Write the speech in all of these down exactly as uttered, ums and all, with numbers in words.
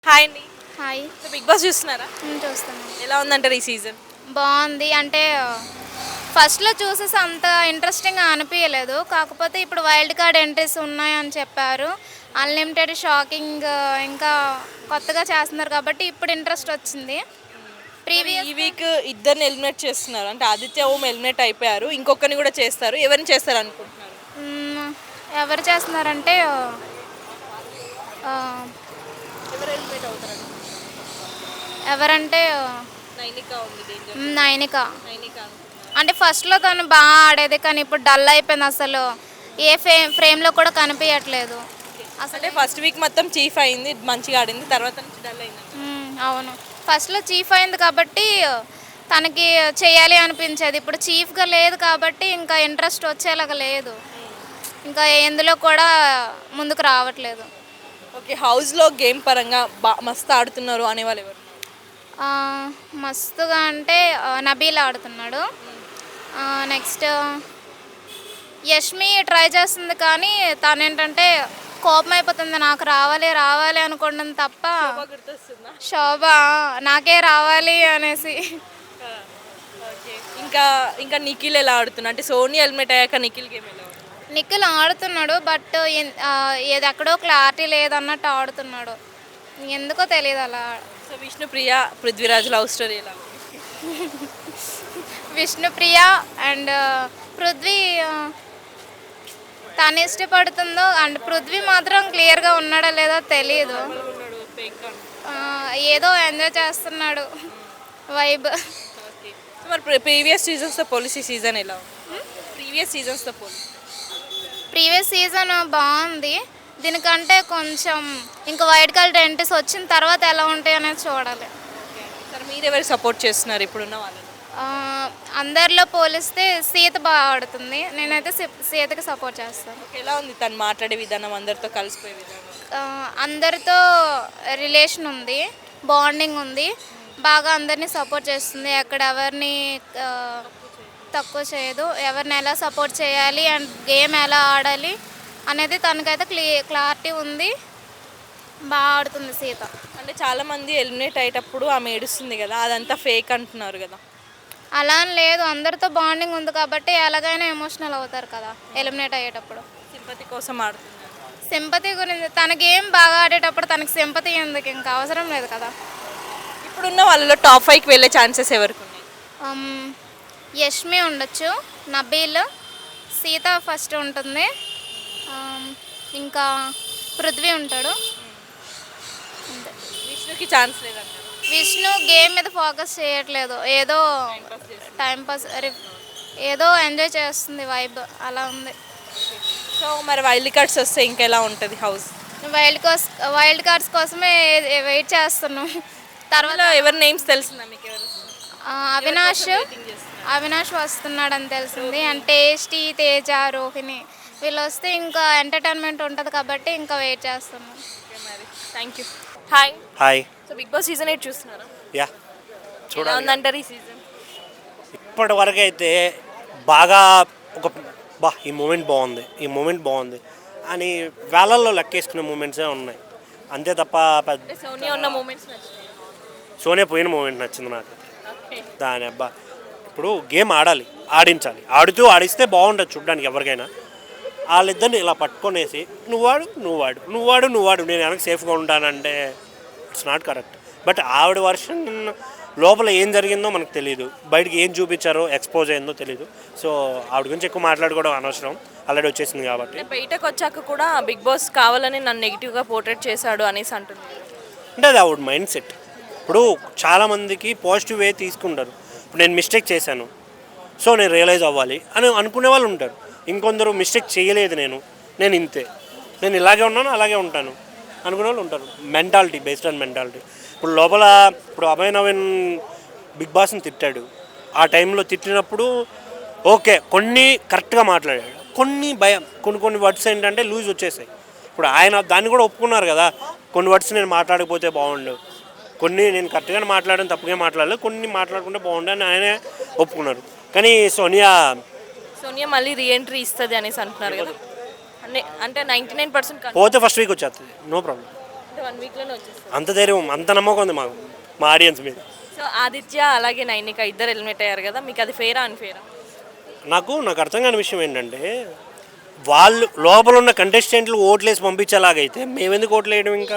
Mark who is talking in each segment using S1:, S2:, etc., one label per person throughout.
S1: Hi అండి.
S2: Hi.
S1: So Big Boss చూస్తున్నారా?
S2: హ్మ్. చూస్తున్నాం.
S1: ఎలా ఉందంటారు ఈ సీజన్?
S2: బావుంది. అంటే ఫస్ట్‌లో చూసేసి అంత ఇంట్రెస్టింగ్‌గా అనిపియలేదు. కాకపోతే ఇప్పుడు వైల్డ్ కార్డ్ ఎంట్రీస్ ఉన్నాయని చెప్పారు. అన్‌లిమిటెడ్ షాకింగ్ ఇంకా కొత్తగా చేస్తున్నారు కాబట్టి ఇప్పుడు ఇంట్రెస్ట్ వచ్చింది.
S1: మరి ఈ
S2: ప్రీవియస్
S1: వీక్ ఇద్దరిని ఎలిమినేట్ చేస్తున్నారు. అంటే ఆదిత్య ఓం ఎలిమినేట్ అయిపోయారు. ఇంకొకరిని కూడా చేస్తారు. ఎవరిని చేస్తారు అనుకుంటున్నారు?
S2: హ్మ్. ఎవరు చేస్తున్నారంటే ఆహ్,
S1: ఎవరు ఎలిమినేట్ అవుతారు?
S2: ఎవరంటే
S1: నైనిక ఉంది డేంజర్.
S2: హ్మ్. నైనిక.
S1: నైనిక అనుకుంటున్నారు.
S2: అంటే ఫస్ట్‌లో తను బా ఆడేది. కానీ ఇప్పుడు డల్ అయిపోయింది అసలు. ఏ ఫే ఫ్రేమ్‌లో కూడా కనిపియట్లేదు.
S1: అంటే ఫస్ట్ వీక్ మొత్తం చీఫ్ అయింది, మంచిగా ఆడింది. తర్వాత నుంచి డల్ అయింది.
S2: హ్మ్. అవును. ఫస్ట్‌లో చీఫ్ అయింది కాబట్టి తనకి చేయాలి అనిపించేది. ఇప్పుడు చీఫ్‌గా లేదు కాబట్టి ఇంకా ఇంట్రెస్ట్ వచ్చేలాగా లేదు. ఇంకా ఎందులో కూడా ముందుకు రావట్లేదు.
S1: ఓకే, హౌస్లో గేమ్ పరంగా బా మస్తు ఆడుతున్నారు అనేవాళ్ళు ఎవరు?
S2: ఆహ్, మస్తుగా అంటే ఆహ్, నబీల్ ఆడుతున్నాడు. ఆహ్, నెక్స్ట్ యష్మి ట్రై చేస్తుంది కానీ తనేంటంటే కోపం అయిపోతుంది. నాకు రావాలి, రావాలి అనుకోవడం తప్ప
S1: శోభ గుర్తొస్తుందా?
S2: శోభ నాకే రావాలి అనేసి.
S1: ఓకే. ఇంకా ఇంకా నిఖిల్ ఎలా ఆడుతున్నా? అంటే సోనీ ఎలిమినేట్ అయ్యాక నిఖిల్ గేమ్ ఎలా ఉంది?
S2: నిఖిల్ ఆడుతున్నాడు. బట్ ఎన్ ఆహ్, ఏది ఎక్కడో క్లారిటీ లేదన్నట్టు ఆడుతున్నాడు. ఎందుకో తెలీదు అలా.
S1: So Vishnupriya, Prithviraj love story ఎలా ఉంది?
S2: విష్ణుప్రియ అండ్ పృథ్వీ ఆహ్, తను ఇష్టపడుతుందో అండ్ పృథ్వీ మాత్రం క్లియర్‌గా ఉన్నాడో లేదో తెలీదు.
S1: ఉన్నాడు ఫేక్ అని.
S2: ఆహ్, ఏదో ఎంజాయ్ చేస్తున్నాడు వైబ్.
S1: ఓకే. సో మరి ప్రీవియస్ సీజన్స్తో పోలీస్ ఈ సీజన్ ఎలా ఉంది? ప్రీవియస్ సీజన్స్తో పోలీస్
S2: ప్రీవియస్ సీజన్ బాగుంది. దీనికంటే కొంచెం ఇంకా వైట్ కలర్ ఎంట్రీస్ వచ్చిన తర్వాత ఎలా ఉంటాయి అనేది చూడాలి.
S1: సార్ మీరు ఎవరు సపోర్ట్ చేస్తున్నారు ఇప్పుడున్న వాళ్ళని?
S2: ఆ, అందరిలో పోలిస్తే సీత బాగా ఆడుతుంది. నేనైతే సీ- సీతకి సపోర్ట్ చేస్తాను.
S1: ఓకే, ఎలా ఉంది తను మాట్లాడే విధానం, అందరితో కలిసిపోయే విధానం?
S2: ఆ, అందరితో రిలేషన్ ఉంది, బాండింగ్ ఉంది, బాగా అందరినీ సపోర్ట్ చేస్తుంది. ఎక్కడ ఎవరిని ఆ, తక్కువ చేయదు. ఎవరిని ఎలా సపోర్ట్ చేయాలి అండ్ గేమ్ ఎలా ఆడాలి అనేది తనకైతే క్లీ క్లారిటీ ఉంది. బాగా ఆడుతుంది సీత.
S1: అంటే చాలా మంది ఎలిమినేట్ అయ్యేటప్పుడు ఆమె ఏడుస్తుంది కదా, అదంతా ఫేక్ అంటున్నారు కదా.
S2: అలా అని లేదు, అందరితో బాండింగ్ ఉంది కాబట్టి ఎలాగైనా ఎమోషనల్ అవుతారు కదా ఎలిమినేట్ అయ్యేటప్పుడు.
S1: సింపతి కోసం ఆడుతున్నారు.
S2: సింపతి గురించి తన గేమ్ బాగా ఆడేటప్పుడు తనకి సింపతి ఎందుకు, ఇంకా అవసరం లేదు కదా.
S1: ఇప్పుడున్న వాళ్ళలో టాప్ ఫైవ్కి వెళ్ళే ఛాన్సెస్ ఎవరికి ఉన్నాయి?
S2: అమ్, యష్మి ఉండొచ్చు, నబీల్, సీత ఫస్ట్ ఉంటుంది, అమ్, ఇంకా పృథ్వీ ఉంటాడు. అంతే.
S1: విష్ణుకి ఛాన్స్ లేదంటారు.
S2: విష్ణు గేమ్ మీద ఫోకస్ చేయట్లేదు, ఏదో టైంపాస్ ఏదో ఎంజాయ్ చేస్తుంది, వైబ్ అలా ఉంది.
S1: సో మరి వైల్డ్ కార్డ్స్ వస్తే ఇంకెలా ఉంటుంది హౌస్?
S2: వైల్డ్ కోస్ వైల్డ్ కార్డ్స్ కోసమే వెయిట్ చేస్తున్నాం. తర్వాత
S1: తర్వాత ఎవరి నేమ్స్ తెలిసిందా మీకు? ఎవరు
S2: ఆ, అవినాష్
S1: waiting చేస్తున్నారు?
S2: అవినాష్ వస్తున్నాడని తెలిసింది. అండ్ టేస్టీ, తేజ, రోహిణి వీళ్ళు వస్తే ఇంకా ఎంటర్టైన్మెంట్ ఉంటుంది కాబట్టి ఇంకా వెయిట్ చేస్తున్నాం.
S1: ఓకే మరి thank you. Hi.
S3: Hi.
S1: So Big Boss season eight చూస్తున్నారా?
S3: యా
S1: ఎలా
S3: చూడాలి.
S1: ఉందంటారు ఈ సీజన్?
S3: ఇప్పటి వరకు అయితే బాగా ఒక బా ఈ మూమెంట్ బాగుంది, ఈ మూమెంట్ బాగుంది అని వేలల్లో లెక్కేసుకునే మూమెంట్సే ఉన్నాయి అంతే తప్ప పెద్ద
S1: అంటే సోనియా ఉన్న మూమెంట్స్ నచ్చాయి.
S3: సోనియా పోయిన మూమెంట్ నచ్చింది నాకు.
S1: ఓకే.
S3: దాని అబ్బా ఇప్పుడు గేమ్ ఆడాలి, ఆడించాలి, ఆడుతూ ఆడిస్తే బాగుంటుంది చూడడానికి ఎవరికైనా. వాళ్ళిద్దరిని ఇలా పట్టుకొనేసి నువ్వు వాడు నువ్వు వాడు నువ్వు వాడు నువ్వు వాడు నేను వెనక సేఫ్గా ఉంటానంటే ఇట్స్ నాట్ కరెక్ట్. బట్ ఆవిడ వర్షన్ లోపల ఏం జరిగిందో మనకు తెలియదు, బయటికి ఏం చూపించారో ఎక్స్పోజ్ అయిందో తెలియదు. సో ఆవిడ గురించి ఎక్కువ మాట్లాడుకోవడం అనవసరం, ఆల్రెడీ వచ్చేసింది కాబట్టి.
S1: అంటే బయటకు వచ్చాక కూడా బిగ్ బాస్ కావాలని నన్ను నెగిటివ్గా పోర్ట్రేట్ చేశాడు అనేసి అంటున్నారు.
S3: అంటే అది ఆవిడ మైండ్ సెట్. ఇప్పుడు చాలామందికి పాజిటివ్ వే తీసుకుంటారు. ఇప్పుడు నేను మిస్టేక్ చేశాను సో నేను రియలైజ్ అవ్వాలి అని అనుకునే వాళ్ళు ఉంటారు. ఇంకొందరు మిస్టేక్ చేయలేదు, నేను నేను ఇంతే, నేను ఇలాగే ఉన్నాను అలాగే ఉంటాను అనుకునే వాళ్ళు ఉంటారు. Mentality, based on mentality. ఇప్పుడు లోపల ఇప్పుడు అభయ్ నవీన్ బిగ్ బాస్ని తిట్టాడు. ఆ టైంలో తిట్టినప్పుడు ఓకే కొన్ని కరెక్ట్గా మాట్లాడాడు, కొన్ని భయం, కొన్ని కొన్ని వర్డ్స్ ఏంటంటే లూజ్ వచ్చేసాయి. ఇప్పుడు ఆయన దాన్ని కూడా ఒప్పుకున్నారు కదా, కొన్ని వర్డ్స్ నేను మాట్లాడకపోతే బాగుండు, కొన్ని నేను కరెక్ట్గానే మాట్లాడని తప్పుగా మాట్లాడలేదు, కొన్ని మాట్లాడుకుంటే బాగుండు అని ఆయనే ఒప్పుకున్నారు. కానీ సోనియా
S1: సోనియా మళ్ళీ రీఎంట్రీ ఇస్తుంది అనేసి అంటున్నారు కదా. అంటే అంటే నైంటీ నైన్ పర్సెంట్
S3: పోతే ఫస్ట్ వీక్ వచ్చేస్తుంది, నో ప్రాబ్లం.
S1: అంటే వన్ వీక్లోనే వచ్చేస్తారు.
S3: అంత ధైర్యం, అంత నమ్మకం ఉంది మాకు మా ఆడియన్స్ మీద.
S1: సో ఆదిత్య అలాగే నైనిక ఇద్దరు ఎలిమినేట్ అయ్యారు కదా, మీకు అది ఫేరా అన్ఫేరా?
S3: నాకు నాకు అర్థం కాని విషయం ఏంటంటే వాళ్ళు లోపల ఉన్న కంటెస్టెంట్లు ఓట్లేసి పంపించేలాగైతే మేమెందుకు ఓట్లు వేయడం? ఇంకా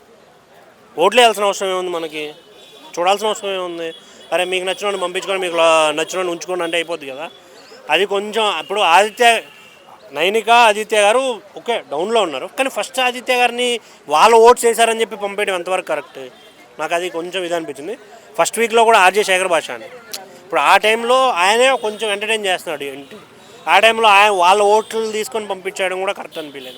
S3: ఓట్లు వేయాల్సిన అవసరం ఏముంది? మనకి చూడాల్సిన అవసరం ఏముంది? అరే మీకు నచ్చిన పంపించుకొని మీకు నచ్చిన ఉంచుకోండి అంటే అయిపోద్ది కదా. అది కొంచెం ఇప్పుడు ఆదిత్య నైనిక ఆదిత్య గారు ఓకే డౌన్లో ఉన్నారు, కానీ ఫస్ట్ ఆదిత్య గారిని వాళ్ళ ఓట్స్ వేశారని చెప్పి పంపేయడం ఎంతవరకు కరెక్ట్? నాకు అది కొంచెం ఇది అనిపించింది. ఫస్ట్ వీక్లో కూడా ఆర్జే శేఖర్ భాష అని ఇప్పుడు ఆ టైంలో ఆయనే కొంచెం ఎంటర్టైన్ చేస్తున్నాడు ఏంటి, ఆ టైంలో ఆయన వాళ్ళ ఓట్లు తీసుకొని పంపించడం కూడా కరెక్ట్ అనిపించలేదు.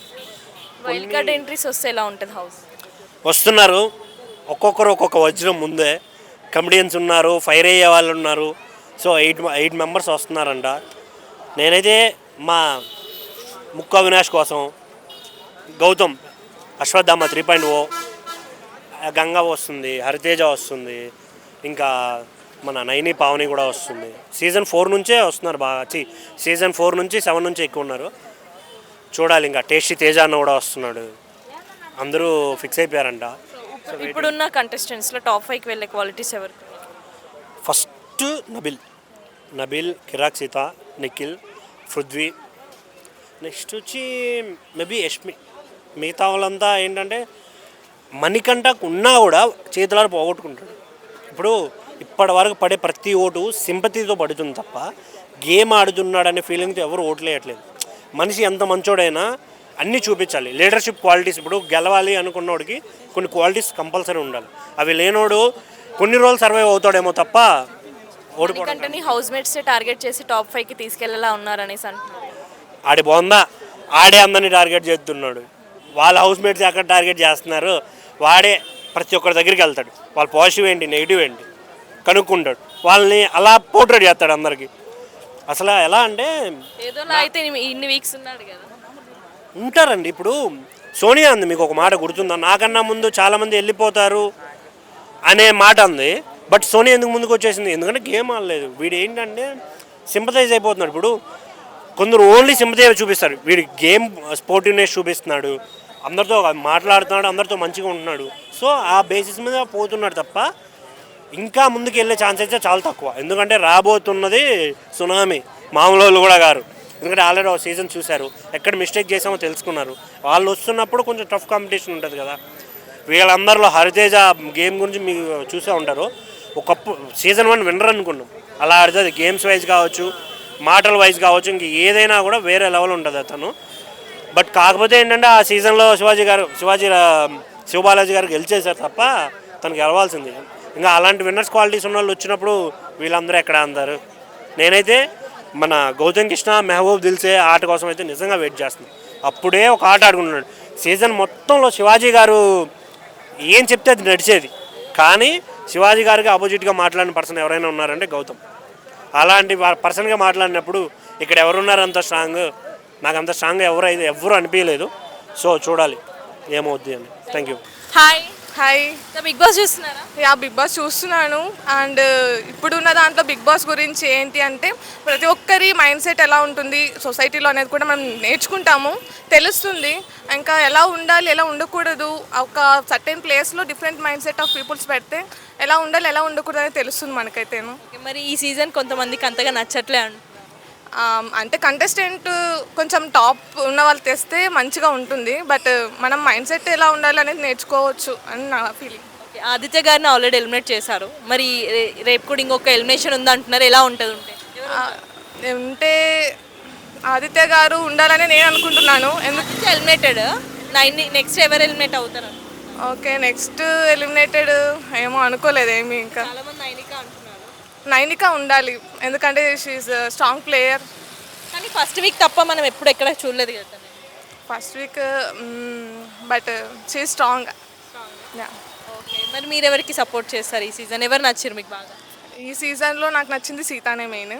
S1: వైల్డ్ కార్డ్ ఎంట్రీస్ వస్తే ఎలా ఉంటుంది హౌస్?
S3: వస్తున్నారు ఒక్కొక్కరు ఒక్కొక్క వజ్రం ముందే, కమెడియన్స్ ఉన్నారు, ఫైర్ అయ్యే వాళ్ళు ఉన్నారు. సో ఎయిట్ ఎయిట్ మెంబర్స్ వస్తున్నారంట. నేనైతే మా ముక్కు అవినాష్ కోసం Gautham Ashwatthama three point O, Ganga వస్తుంది, హరితేజ వస్తుంది, ఇంకా మన నైని పావని కూడా వస్తుంది. సీజన్ ఫోర్ నుంచే వస్తున్నారు బాగా, చి సీజన్ ఫోర్ నుంచి సెవెన్ నుంచి ఎక్కువ ఉన్నారు. చూడాలి, ఇంకా టేస్టీ తేజ అన్న కూడా వస్తున్నాడు. అందరూ ఫిక్స్ అయిపోయారంట.
S1: ఇప్పుడున్న కంటెస్టెంట్స్లో టాప్ ఫైవ్కి వెళ్ళే క్వాలిటీస్ ఎవరు?
S3: ఫస్ట్ నబిల్ నబిల్ కిరాక్ సీత, నిఖిల్, పృథ్వీ, నెక్స్ట్ వచ్చి మేబీ యష్మి. మిగతా వాళ్ళంతా ఏంటంటే మణికంఠకు ఉన్నా కూడా చేతులారు పోగొట్టుకుంటాడు. ఇప్పుడు ఇప్పటి వరకు పడే ప్రతి ఓటు సింపతితో పడుతుంది తప్ప గేమ్ ఆడుతున్నాడనే ఫీలింగ్తో ఎవరు ఓట్లు వేయట్లేదు. మనిషి ఎంత మంచోడైనా అన్నీ చూపించాలి, లీడర్షిప్ క్వాలిటీస్. ఇప్పుడు గెలవాలి అనుకున్నోడికి కొన్ని క్వాలిటీస్ కంపల్సరీ ఉండాలి. అవి లేనోడు కొన్ని రోజులు సర్వైవ్ అవుతాడేమో తప్ప ఓడిపోవడం.
S1: మణికంఠని హౌస్ మేట్స్ టార్గెట్ చేసి టాప్ ఫైవ్కి తీసుకెళ్లేలా ఉన్నారనేసి అంటున్నారు.
S3: ఆడి బాగుందా, ఆడే అందరినీ టార్గెట్ చేస్తున్నాడు. వాళ్ళ హౌస్ మేట్స్ ఎక్కడ టార్గెట్ చేస్తున్నారు, వాడే ప్రతి ఒక్కరి దగ్గరికి వెళ్తాడు. వాళ్ళ పాజిటివ్ ఏంటి నెగిటివ్ ఏంటి కనుక్కుంటాడు, వాళ్ళని అలా పోర్ట్రేట్ చేస్తాడు అందరికీ. అసలు ఎలా అంటే
S1: ఏదోలా అయితే ఇన్ని వీక్స్ ఉన్నాడు కదా.
S3: ఉంటారండి. ఇప్పుడు సోనియా అంది, మీకు ఒక మాట గుర్తుందా, నాకన్నా ముందు చాలామంది వెళ్ళిపోతారు అనే మాట అంది. బట్ సోనియా ఎందుకు ముందుకు వచ్చేసింది? ఎందుకంటే గేమ్ ఆడలేదు. వీడు ఏంటంటే సింపథైజ్ అయిపోతున్నాడు. ఇప్పుడు కొందరు ఓన్లీ సింపథైజ్ చూపిస్తారు, వీడు గేమ్ స్పోర్టివ్నెస్ చూపిస్తున్నాడు, అందరితో మాట్లాడుతున్నాడు, అందరితో మంచిగా ఉంటున్నాడు. సో ఆ బేసిస్ మీద పోతున్నాడు తప్ప ఇంకా ముందుకు వెళ్ళే ఛాన్స్ అయితే చాలా తక్కువ. ఎందుకంటే రాబోతున్నది సునామీ, మామూలు వాళ్ళు కూడా గారు. ఎందుకంటే ఆల్రెడీ ఒక సీజన్ చూశారు, ఎక్కడ మిస్టేక్ చేసామో తెలుసుకున్నారు. వాళ్ళు వస్తున్నప్పుడు కొంచెం టఫ్ కాంపిటీషన్ ఉంటుంది కదా. వీళ్ళందరిలో హరితేజ గేమ్ గురించి మీకు చూసే ఉంటారు. ఒకప్పుడు సీజన్ వన్ విన్నర్ అనుకున్నాం, అలా ఆడుతుంది. గేమ్స్ వైజ్ కావచ్చు, మాటల వైజ్ కావచ్చు, ఇంక ఏదైనా కూడా వేరే లెవెల్ ఉంటుంది అతను. బట్ కాకపోతే ఏంటంటే ఆ సీజన్లో శివాజీ గారు శివాజీ శివబాలాజీ గారు గెలిచేశారు తప్ప తనకు గెలవాల్సింది. ఇంకా అలాంటి విన్నర్స్ క్వాలిటీస్ ఉన్న వాళ్ళు వచ్చినప్పుడు వీళ్ళందరూ ఎక్కడ అందరు. నేనైతే మన గౌతమ్ కృష్ణ, మెహబూబ్ దిల్సే ఆట కోసం అయితే నిజంగా వెయిట్ చేస్తున్నాను. అప్పుడే ఒక ఆట ఆడుకుంటున్నాడు. సీజన్ మొత్తంలో శివాజీ గారు ఏం చెప్తే అది నడిచేది, కానీ శివాజీ గారికి ఆపోజిట్గా మాట్లాడిన పర్సన్ ఎవరైనా ఉన్నారంటే గౌతమ్. అలాంటి పర్సన్గా మాట్లాడినప్పుడు ఇక్కడ ఎవరున్నారు అంత స్ట్రాంగ్? నాకు అంత స్ట్రాంగ్ ఎవరు అయితే ఎవరు అనిపించలేదు. సో చూడాలి ఏమవుద్ది అని. Thank you.
S1: Hi
S4: hi,
S1: Big Boss చూస్తున్నారా?
S4: యా బిగ్ బాస్ చూస్తున్నాను. అండ్ ఇప్పుడున్న దాంట్లో బిగ్ బాస్ గురించి ఏంటి అంటే ప్రతి ఒక్కరి మైండ్ సెట్ ఎలా ఉంటుంది సొసైటీలో అనేది కూడా మనం నేర్చుకుంటాము, తెలుస్తుంది. ఇంకా ఎలా ఉండాలి, ఎలా ఉండకూడదు, ఒక సర్టెన్ ప్లేస్లో different mindset of peoples పెడితే ఎలా ఉండాలి, ఎలా ఉండకూడదు అనేది తెలుస్తుంది మనకైతేను.
S1: మరి ఈ సీజన్ కొంతమందికి అంతగా నచ్చట్లే అంట.
S4: అంటే కంటెస్టెంట్ కొంచెం టాప్ ఉన్న వాళ్ళు తెస్తే మంచిగా ఉంటుంది. బట్ మనం మైండ్ సెట్ ఎలా ఉండాలి అనేది నేర్చుకోవచ్చు అని నా ఫీలింగ్.
S1: ఆదిత్య గారిని ఆల్రెడీ ఎలిమినేట్ చేశారు, మరి రే- రేపు కూడా ఇంకొక ఎలిమినేషన్ ఉంది అంటున్నారు. ఎలా ఉంటుంది ఉంటే?
S4: ఉంటే ఆదిత్య గారు ఉండాలని నేను అనుకుంటున్నాను. ఎందుకు
S1: ఆదిత్య ఎలిమినేటెడ్, నైన్ నెక్స్ట్ ఎవరు ఎలిమినేట్ అవుతారు?
S4: ఓకే, నెక్స్ట్ ఎలిమినేటెడ్ ఏమో అనుకోలేదు ఏమి. ఇంకా
S1: చాలా మంది నైనిక అంటున్నారు.
S4: నైనిక ఉండాలి, ఎందుకంటే షీఈ్ స్ట్రాంగ్ ప్లేయర్.
S1: కానీ ఫస్ట్ వీక్ తప్ప మనం ఎప్పుడు ఎక్కడ చూడలేదు కదా.
S4: First week but she strong.
S1: Okay, మరి మీరు ఎవరికి సపోర్ట్ చేస్తారు ఈ సీజన్? ఎవరు నచ్చారు మీకు బాగా?
S4: ఈ సీజన్లో నాకు నచ్చింది సీతానే మెయిన్.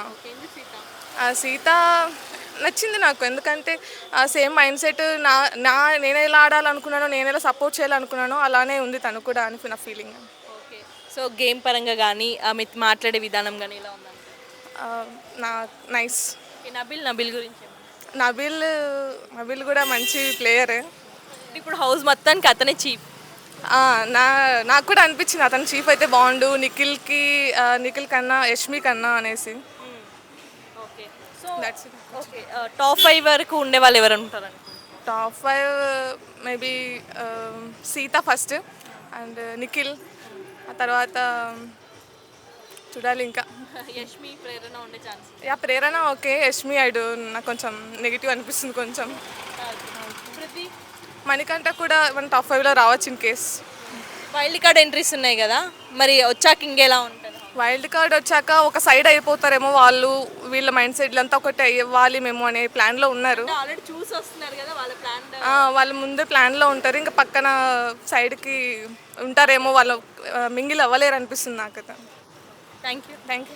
S4: సీత నచ్చింది నాకు, ఎందుకంటే సేమ్ మైండ్ సెట్ నా నా నేను ఎలా ఆడాలనుకున్నానో, నేను ఎలా సపోర్ట్ చేయాలనుకున్నానో అలానే ఉంది తను కూడా అని నా ఫీలింగ్.
S1: ఓకే, సో గేమ్ పరంగా కానీ ఆమె మాట్లాడే విధానం కానీ ఎలా ఉందండి?
S4: నా నైస్.
S1: నబిల్ నబిల్ గురించి
S4: నబిల్ నబిల్ కూడా మంచి ప్లేయర్.
S1: ఇప్పుడు హౌస్ మొత్తానికి అతనే చీఫ్.
S4: ఆ, నా నాకు కూడా అనిపించింది అతను చీఫ్ అయితే బాగుండు నిఖిల్కి ఆ, నిఖిల్ కన్నా యష్మి కన్నా అనేసి.
S1: Okay so
S4: that's it.
S1: Okay top five వరకు ఉండే వాళ్ళు ఎవరు ఉంటారు?
S4: Top five maybe Seetha first and Nikhil, ఆ తర్వాత చూడాలి ఇంకా.
S1: యష్మి ప్రేరణ ఉండే chance.
S4: Yeah Prerana okay, Yashmi ఐడు నాకు కొంచెం నెగిటివ్ అనిపిస్తుంది కొంచెం.
S1: పృథ్వీ
S4: మణికంఠ కూడా మన టాప్ ఫైవ్లో రావచ్చు in case.
S1: Wild card entries ఉన్నాయి కదా, మరి వచ్చాక ఇంకెలా ఉంటుంది?
S4: వైల్డ్ కార్డ్ వచ్చాక ఒక సైడ్ అయిపోతారేమో వాళ్ళు, వీళ్ళ మైండ్ సెట్ అంతా ఒకటి అవ్వాలి మేము అనే ప్లాన్లో ఉన్నారు.
S1: ఆల్రెడీ చూసి వస్తున్నారు కదా వాళ్ళ ప్లాన్.
S4: ఆ, వాళ్ళు ముందే ప్లాన్లో ఉంటారు, ఇంకా పక్కన సైడ్కి ఉంటారేమో, వాళ్ళు మింగిల్ అవ్వలేరు అనిపిస్తుంది నాకు.
S1: Thank you.
S4: Thank you.